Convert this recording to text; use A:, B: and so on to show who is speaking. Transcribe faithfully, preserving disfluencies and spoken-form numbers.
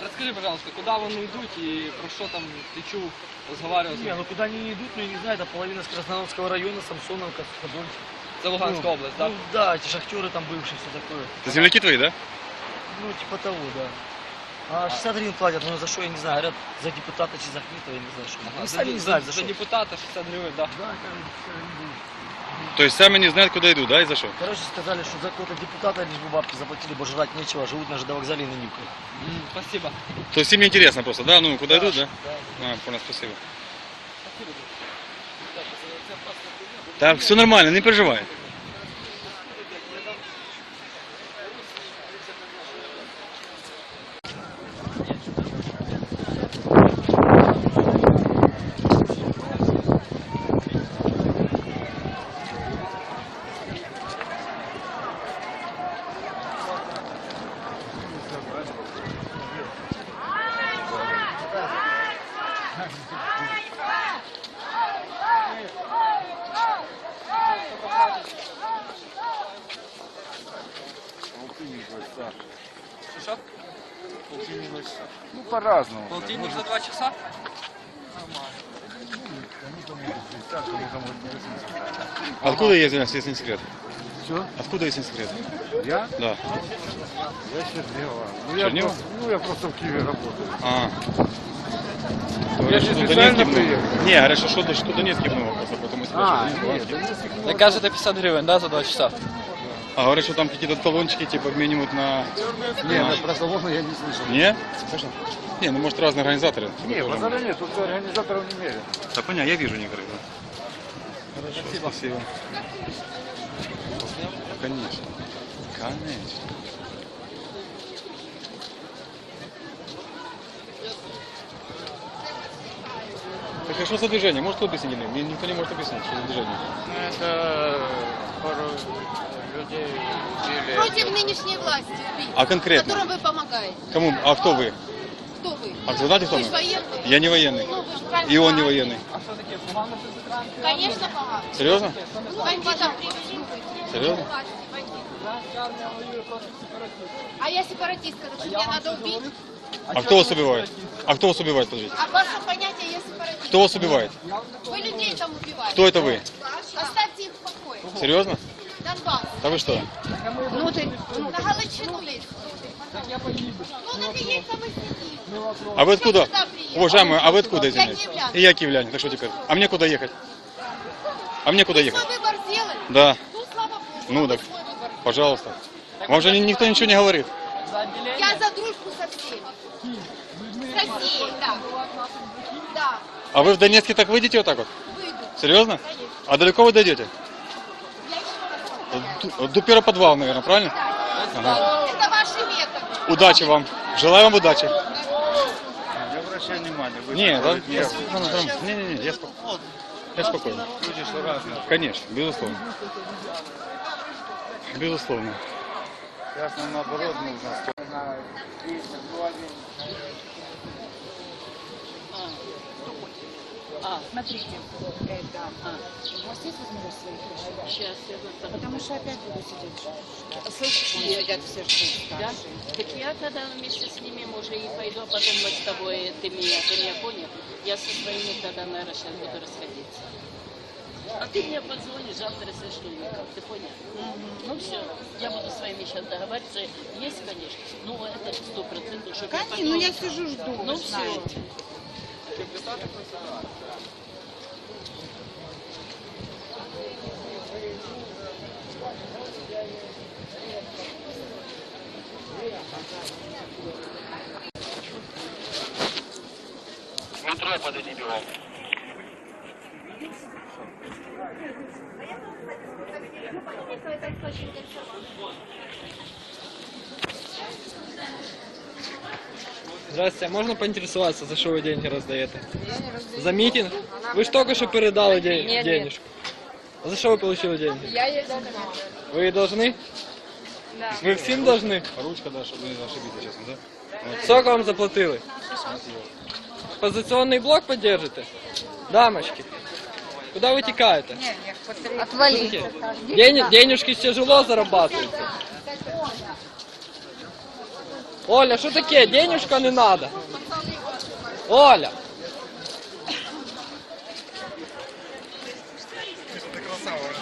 A: Расскажи, пожалуйста, куда вони йдуть и про что там ты чув, разговаривал?
B: Не, ну куда они не идут, ну я не знаю, это половина с Красноярского района, Самсоновка, Подольск.
A: Это Луганская
B: ну,
A: область, да?
B: Ну да, эти шахтеры там бывшие, все такое.
C: Это земляки твои, да?
B: Ну типа того, да. А шестьдесят гривен платят, ну за что, я не знаю, говорят, за депутата чи за Ахметова, я не знаю, что.
A: Ага,
B: Они
A: за,
B: сами не
A: за,
B: знают, за
A: за
B: что.
A: депутата шестьдесят гривен, да?
B: Да, короче,
C: То есть сами не знают, куда идут, да, и за что?
B: короче, сказали, что за какого-то депутата лишь бы бабки заплатили, бо жрать нечего, живут на ЖД-вокзале и на Нивках.
A: М, спасибо.
C: То есть им не интересно просто, да? Ну, куда идут, да?
B: Да.
C: А, понял, спасибо. Так, все нормально, не переживай.
A: Что?
D: Ну, по-разному.
A: Полтинник за два часа?
C: Откуда я, извиняюсь, если не секрет?
D: Что?
C: Откуда, если не секрет?
D: Я?
C: Да.
D: Я Чернева. Ну, я
C: Чернева?
D: просто, ну, я просто в Киеве работаю.
C: А.
D: Я же специально приехал.
C: Не, говорят, что, что, что Донецких много просто, поэтому
D: А,
C: спрашивают.
D: нет,
A: Мне кажется, пятьдесят гривен, да, за два часа?
C: А говорят, что там какие-то талончики типа обменивают на...
D: нет, про салоны я не слышал.
C: Не? Слышал? Не, ну может разные организаторы.
D: Не, базара нет, тут организаторов не меряют.
C: Да понятно, я вижу некоторых, да. Хорошо, спасибо. спасибо. Конечно. Конечно. Так а что за движение? Может, кто объяснить? Мне никто не может объяснить, что за движение.
E: Это пару людей убили.
F: Против нынешней власти убить,
C: А конкретно?
F: которым вы помогаете.
C: Кому? А кто вы?
F: Кто вы?
C: А вы знаете, кто
F: Вы
C: мы?
F: же военный.
C: Я не военный.
F: Ну, вы же правильно
C: И он не
F: знаете.
C: военный.
F: Конечно, помогаю.
C: Серьезно?
F: Бандитам привезли.
C: Серьезно?
F: А я сепаратистка, так что меня надо убить.
C: А кто вас убивает? А кто вас убивает, подождите?
F: А ваше понятие я сепаратист.
C: Кто вас убивает?
F: Вы людей там убиваете.
C: Кто это вы?
F: Оставьте их в покое.
C: Серьезно?
F: Донбасс.
C: Да вы что?
F: Ну ты, ну, на Галичину лезь. Ну так и есть, там и сидит.
C: А вы откуда?
F: сюда приехал?
C: Уважаемые, а вы откуда,
F: Я
C: извиняюсь?
F: киевлянка.
C: И я киевлянин, так что теперь? А мне куда ехать? А мне куда
F: Вы
C: ехать?
F: свой выбор сделали?
C: Да,
F: Ну, слава Богу,
C: Ну,
F: вы
C: так.
F: свой выбор.
C: пожалуйста. Вам же ни- никто ничего не говорит.
F: Я за дружбу со всеми. С Россией, да. Да,
C: А вы в Донецке так выйдете вот так вот?
F: выйду.
C: Серьезно?
F: Конечно.
C: А далеко вы дойдете?
F: Я еще раз.
C: Ду- До первого подвала, наверное, правильно?
F: Да. Это ваши методы.
C: Удачи вам. Желаю вам удачи.
D: Не обращай внимания. вы
C: Не,
D: такой
C: да,
D: нервный.
C: не, не, не, я спокойно. Я спокойно.
D: Люди же разные.
C: Конечно, безусловно. Безусловно.
D: Сейчас нам наоборот нужно.
G: А, смотрите, это, а, у вас есть возможность своих решить?
H: Сейчас я вот
G: Потому что опять буду сидеть.
H: Слушай,
G: Сидят все, что
H: да?
G: старшие.
H: Так я тогда вместе с ними, может, и пойду, а потом мы с тобой, ты меня, ты меня понял? Я со своими тогда, наверное, сейчас буду расходиться. А ты мне позвонишь завтра, если что, никак, ты понял? Ну все, я буду с вами сейчас договариваться. Есть, конечно, ну это сто процентов, что
G: Конечно, ну я сижу, жду,
H: Ну
G: вы
H: все.
G: знаете.
E: Метро подойди бегом.
A: Здравствуйте, а можно поинтересоваться, за что вы деньги раздаете? За митинг? Вы же только что передали ден-
I: Нет,
A: денежку. А за что вы получили деньги?
I: Я ей должна.
A: Вы ей должны?
I: Да.
A: Ви всім должны?
C: Ручка, да, чтобы не ошибиться, честно, да?
A: Сколько вам заплатили? Позиционный блок поддержите? Дамочки, куда вы текаете?
I: Отвали.
A: День, денежки тяжело зарабатываются. Оля, що таке? Денежка не надо. Оля.
C: Ты красава.